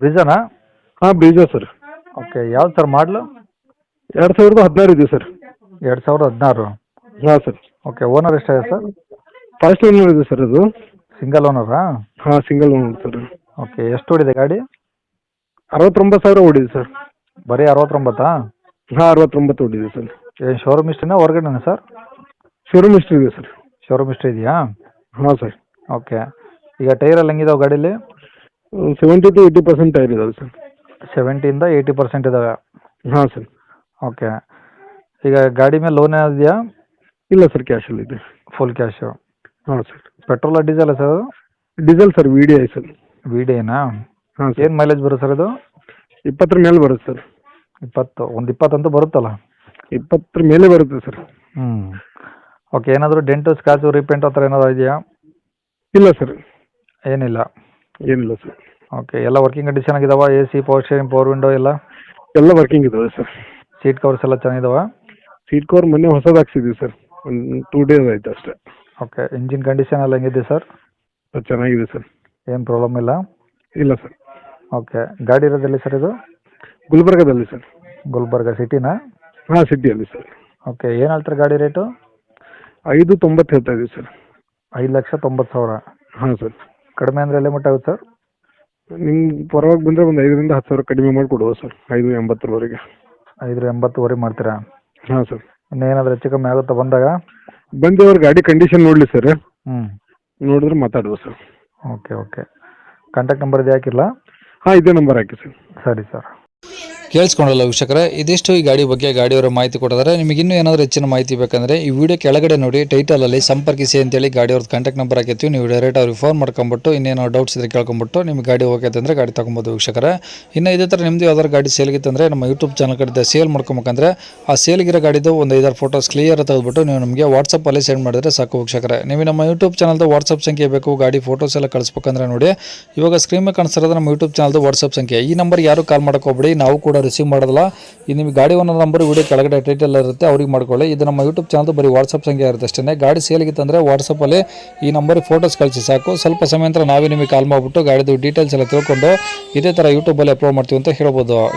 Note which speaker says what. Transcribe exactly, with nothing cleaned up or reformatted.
Speaker 1: ಬ್ರಿಜಾನಾ?
Speaker 2: ಹಾಂ Brezza sir.
Speaker 1: Okay, ಯಾವ್ದು sir ಮಾಡಲು?
Speaker 2: ಎರಡು ಸಾವಿರದ ಹದಿನಾರು ಇದೆ ಸರ್.
Speaker 1: ಎರಡು ಸಾವಿರದ ಹದಿನಾರು.
Speaker 2: ಹಾಂ ಸರ್.
Speaker 1: ಓಕೆ, ಓನರ್ ಎಷ್ಟಾಗಿದೆ ಸರ್?
Speaker 2: ಫಸ್ಟ್ ಓನರ್ ಇದೆ ಸರ್ ಅದು.
Speaker 1: ಸಿಂಗಲ್ ಓನರಾ?
Speaker 2: ಹಾಂ ಸಿಂಗಲ್ ಓನರ್ ಸರ್.
Speaker 1: ಓಕೆ, ಎಷ್ಟು ಓಡಿದೆ ಗಾಡಿ?
Speaker 2: ಅರವತ್ತೊಂಬತ್ತು ಸಾವಿರ ಓಡಿದೆ ಸರ್.
Speaker 1: ಬರೀ ಅರವತ್ತೊಂಬತ್ತಾ?
Speaker 2: ಹಾಂ ಅರವತ್ತೊಂಬತ್ತು ಓಡಿದೆ ಸರ್.
Speaker 1: ಏನು ಶೋರೂಮ್ ಇಷ್ಟೇನಾ ಹೊರಗಡೆನಾ ಸರ್?
Speaker 2: ಶೋರೂಮ್ ಹಿಸ್ಟ್ರಿ ಇದೆ ಸರ್.
Speaker 1: ಶೋರೂಮ್ ಇಷ್ಟ ಇದೆಯಾ?
Speaker 2: ಹಾಂ ಸರ್.
Speaker 1: ಓಕೆ, ಈಗ ಟೈರಲ್ಲಿ ಹೆಂಗಿದಾವೆ ಗಾಡೀಲಿ?
Speaker 2: Seventy to eighty percent tyre ಇದಾವೆ ಸರ್.
Speaker 1: ಸೆವೆಂಟಿಯಿಂದ ಏಯ್ಟಿ ಪರ್ಸೆಂಟ್ ಇದ್ದಾವೆ.
Speaker 2: ಹಾಂ ಸರ್.
Speaker 1: ಓಕೆ, ಈಗ ಗಾಡಿ ಮೇಲೆ ಲೋನ್ ಇದೆಯಾ?
Speaker 2: ಇಲ್ಲ ಸರ್, ಕ್ಯಾಶಲ್ಲಿ ಇದೆ.
Speaker 1: Full cash.
Speaker 2: ಹಾಂ ಸರ್.
Speaker 1: ಪೆಟ್ರೋಲ ಡೀಸೆಲ್ಲ ಸರ್ ಅದು?
Speaker 2: Diesel sir, V D I sir.
Speaker 1: V D ಐನಾ?
Speaker 2: ಹಾಂ ಸರ್.
Speaker 1: ಏನು ಮೈಲೇಜ್ ಬರುತ್ತೆ ಸರ್ ಇದು?
Speaker 2: ಇಪ್ಪತ್ತರ ಮೇಲೆ ಬರುತ್ತೆ ಸರ್.
Speaker 1: ಇಪ್ಪತ್ತು, ಒಂದು ಇಪ್ಪತ್ತಂತೂ ಬರುತ್ತಲ್ಲ?
Speaker 2: ಇಪ್ಪತ್ತರ ಮೇಲೆ ಬರುತ್ತೆ ಸರ್.
Speaker 1: ಹ್ಞೂ. ಓಕೆ, ಏನಾದರೂ ಡೆಂಟು ಸ್ಕ್ರಾಚು ರೀಪೇಂಟ್ ಆ ಥರ ಏನಾದರೂ ಇದೆಯಾ?
Speaker 2: ಇಲ್ಲ ಸರ್,
Speaker 1: ಏನಿಲ್ಲ.
Speaker 2: ಏನಿಲ್ಲ ಸರ್.
Speaker 1: ಓಕೆ, ಎಲ್ಲ ವರ್ಕಿಂಗ್ ಕಂಡೀಷನ್ ಆಗಿದಾವ? A C, power steering, power window ಎಲ್ಲ?
Speaker 2: ಎಲ್ಲ ವರ್ಕಿಂಗ್ ಇದಾವೆ ಸರ್.
Speaker 1: ಸೀಟ್ ಕವರ್ಸ್ ಎಲ್ಲ ಚೆನ್ನಾಗಿದಾವ?
Speaker 2: ಸೀಟ್ ಕವರ್ ಮೊನ್ನೆ ಹೊಸದು ಹಾಕ್ಸಿದ್ದೀವಿ ಸರ್, ಒಂದು ಟೂ ಡೇಸ್ ಆಯ್ತು ಅಷ್ಟೇ.
Speaker 1: ಓಕೆ, ಇಂಜಿನ್ ಕಂಡೀಷನ್ ಎಲ್ಲ ಹೆಂಗಿದೆ ಸರ್?
Speaker 2: ಅದು ಚೆನ್ನಾಗಿದೆ ಸರ್.
Speaker 1: ಏನು ಪ್ರಾಬ್ಲಮ್ ಇಲ್ಲ?
Speaker 2: ಇಲ್ಲ ಸರ್.
Speaker 1: ಓಕೆ, ಗಾಡಿ ಇರೋದೆಲ್ಲಿ ಸರ್ ಇದು?
Speaker 2: ಗುಲ್ಬರ್ಗದಲ್ಲಿ ಸರ್.
Speaker 1: ಗುಲ್ಬರ್ಗ ಸಿಟಿನಾ?
Speaker 2: ಹಾಂ ಸಿಟಿಯಲ್ಲಿ ಸರ್.
Speaker 1: ಓಕೆ, ಏನು ಹೇಳ್ತಾರೆ ಗಾಡಿ ರೇಟು?
Speaker 2: ಐದು ತೊಂಬತ್ತು ಹೇಳ್ತಾ ಇದ್ದೀವಿ ಸರ್.
Speaker 1: ಐದು ಲಕ್ಷ ತೊಂಬತ್ತು ಸಾವಿರ.
Speaker 2: ಹಾಂ ಸರ್.
Speaker 1: ಕಡಿಮೆ ಅಂದರೆ ಎಲ್ಲಿ ಮಟ್ಟ ಆಗುತ್ತೆ ಸರ್?
Speaker 2: ನಿಮ್ಗೆ ಪರವಾಗಿ ಬಂದರೆ ಒಂದು ಐದರಿಂದ ಹತ್ತು ಸಾವಿರ ಕಡಿಮೆ ಮಾಡಿಕೊಡುವ ಸರ್, ಐದು ಎಂಬತ್ತರವರೆಗೆ.
Speaker 1: ಐದು ಎಂಬತ್ತುವರೆ ಮಾಡ್ತೀರಾ?
Speaker 2: ಹಾಂ ಸರ್.
Speaker 1: ಇನ್ನೇನಾದರೂ ಹೆಚ್ಚು ಕಮ್ಮಿ ಆಗುತ್ತಾ ಬಂದಾಗ?
Speaker 2: ಬಂದು ಅವ್ರ ಗಾಡಿ ಕಂಡೀಷನ್ ನೋಡಲಿ ಸರ್,
Speaker 1: ಹ್ಞೂ
Speaker 2: ನೋಡಿದ್ರೆ ಮಾತಾಡುವ sir.
Speaker 1: Okay okay, contact number ಇದು ಹಾಕಿಲ್ಲ?
Speaker 2: ಹಾಂ ಇದೇ ನಂಬರ್ ಹಾಕಿ ಸರ್.
Speaker 1: ಸರಿ ಸರ್.
Speaker 3: ಕೇಳಿಸ್ಕೊಂಡಲ್ಲ ವೀಕ್ಷಕರೇ, ಇದಿಷ್ಟು ಈ ಗಾಡಿ ಬಗ್ಗೆ ಗಾಡಿಯವರ ಮಾಹಿತಿ ಕೊಟ್ಟಿದ್ದಾರೆ. ನಿಮಗೆ ಇನ್ನೂ ಏನಾದರೂ ಹೆಚ್ಚಿನ ಮಾಹಿತಿ ಬೇಕಂದರೆ ಈ ವಿಡಿಯೋ ಕೆಳಗಡೆ ನೋಡಿ ಟೈಟಲಲ್ಲಿ ಸಂಪರ್ಕಿಸಿ ಅಂತೇಳಿ ಗಾಡಿಯವ್ರದ್ದು ಕಾಂಟ್ಯಾಕ್ಟ್ ನಂಬರ್ ಹಾಕಿರ್ತೀವಿ. ನೀವು ಡೈರೆಕ್ಟ್ ಅವ್ರಿಗೆ ಫೋನ್ ಮಾಡ್ಕೊಂಬಿಟ್ಟು ಇನ್ನೇನೋ ಡೌಟ್ಸ್ ಇದ್ರೆ ಕೇಳ್ಕೊಂಬಿಟ್ಟು ನಿಮಗೆ ಗಾಡಿ ಹೋಗೈತೆ ಅಂದರೆ ಗಾಡಿ ತೊಗೊಬೋದು ವೀಕ್ಷಕರೇ. ಇನ್ನು ಇದೇ ಥರ ನಿಮ್ಮದು ಯಾವ್ದಾದ್ರು ಗಾಡಿ ಸೇಲ್ಗಿತ್ತಂದರೆ ನಮ್ಮ ಯೂಟ್ಯೂಬ್ ಚಾನಲ್ ಕಡೆ ಸೇಲ್ ಮಾಡ್ಕೊಬೇಕಂದ್ರೆ ಆ ಸೇಲ್ಗಿರೋ ಗಾಡಿದು ಒಂದು ಐದಾರು ಫೋಟೋಸ್ ಕ್ಲಿಯರ್ ತೆಗೆದುಬಿಟ್ಟು ನೀವು ನಮಗೆ ವಾಟ್ಸಪ್ಪಲ್ಲಿ ಸೆಂಡ್ ಮಾಡಿದ್ರೆ ಸಾಕು ವೀಕ್ಷಕರೇ. ನೀವು ನಮ್ಮ ಯೂಟ್ಯೂಬ್ ಚಾನಲ್ದು ವಾಟ್ಸಪ್ ಸಂಖ್ಯೆ ಬೇಕು ಗಾಡಿ ಫೋಟೋಸ್ ಎಲ್ಲ ಕಳಿಸ್ಬೇಕಂದ್ರೆ ನೋಡಿ, ಇವಾಗ ಸ್ಕ್ರೀನ್ ಮೇಲೆ ಕಾಣಿಸ್ತಿರೋದು ನಮ್ಮ ಯೂಟ್ಯೂಬ್ ಚಾನಲ್ದು ವಾಟ್ಸಪ್ ಸಂಖ್ಯೆ. ಈ ನಂಬರ್ ಯಾರು ಕಾಲ್ ಮಾಡೋಕೋಗ್ಬೇಡಿ, ನಾವು ಕೂಡ ರಿಸೀವ್ ಮಾಡೋದಿಲ್ಲ. ಇದು ನಿಮಗೆ ಗಾಡಿ ಓನರ್ ನಂಬರ್ ವಿಡಿಯೋ ಕೆಳಗಡೆ ಟೈಟಲ್ ಇರುತ್ತೆ, ಅವ್ರಿಗೆ ಮಾಡ್ಕೊಳ್ಳಿ. ಇದು ನಮ್ಮ ಯೂಟ್ಯೂಬ್ ಚಾನಲ್ ಬರೀ ವಾಟ್ಸಪ್ ಸಂಖ್ಯೆ ಇರುತ್ತೆ ಅಷ್ಟೇ. ಗಾಡಿ ಸೇಲ್ಗಿತ್ತಂದರೆ ವಾಟ್ಸಪ್ಪಲ್ಲಿ ಈ ನಂಬರಿಗೆ ಫೋಟೋಸ್ ಕಳಿಸಿ ಸಾಕು. ಸ್ವಲ್ಪ ಸಮಯ ನಂತರ ನಾವೇ ನಿಮಗೆ ಕಾಲ್ ಮಾಡಿಬಿಟ್ಟು ಗಾಡಿದು ಡೀಟೇಲ್ಸ್ ಎಲ್ಲ ತಿಳ್ಕೊಂಡು ಇದೇ ಥರ ಯೂಟ್ಯೂಬಲ್ಲಿ ಅಪ್ಲೋಡ್ ಮಾಡ್ತೀವಿ ಅಂತ ಹೇಳ್ಬೋದು.